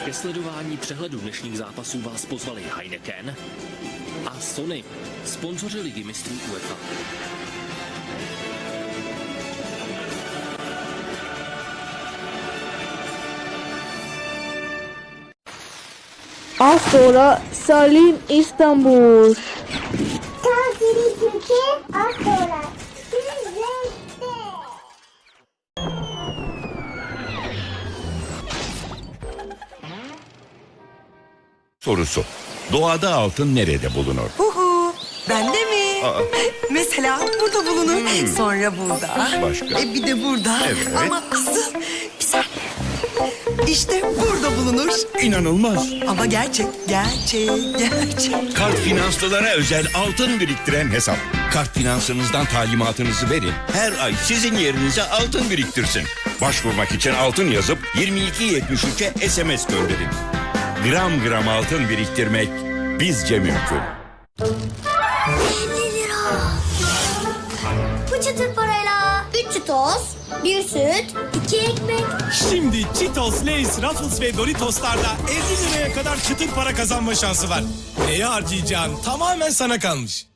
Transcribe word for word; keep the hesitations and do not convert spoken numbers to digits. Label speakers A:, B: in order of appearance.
A: Ke sledování přehledu dnešních zápasů vás pozvali Heineken a Sony, sponzoři ligy mistrů UEFA.
B: Az sonra Salim İstanbul.
C: Tatilin Türkiye az sonra. Sizlerle.
D: Sorusu. Doğada altın nerede bulunur?
E: Huhu, bende mi?
D: Aa.
E: Mesela burada bulunur, sonra burada.
D: Başka?
E: E bir de burada.
D: Evet.
E: Ama asıl bir saniye. İşte burada bulunur.
D: İnanılmaz.
E: Ama gerçek, gerçek, gerçek.
D: Kart finanslılara özel altın biriktiren hesap. Kart finansınızdan talimatınızı verin. Her ay sizin yerinize altın biriktirsin. Başvurmak için altın yazıp yirmi iki yetmiş üçe S M S gönderin. Gram gram altın biriktirmek bizce mümkün.
C: elli lira. Bu çıtır parayla üç çıtoz, bir süt, iki ekmek.
F: Şimdi Cheetos, Lay's, Ruffles ve Doritos'larda elli liraya kadar çıtır para kazanma şansı var. Neye harcayacağın tamamen sana kalmış.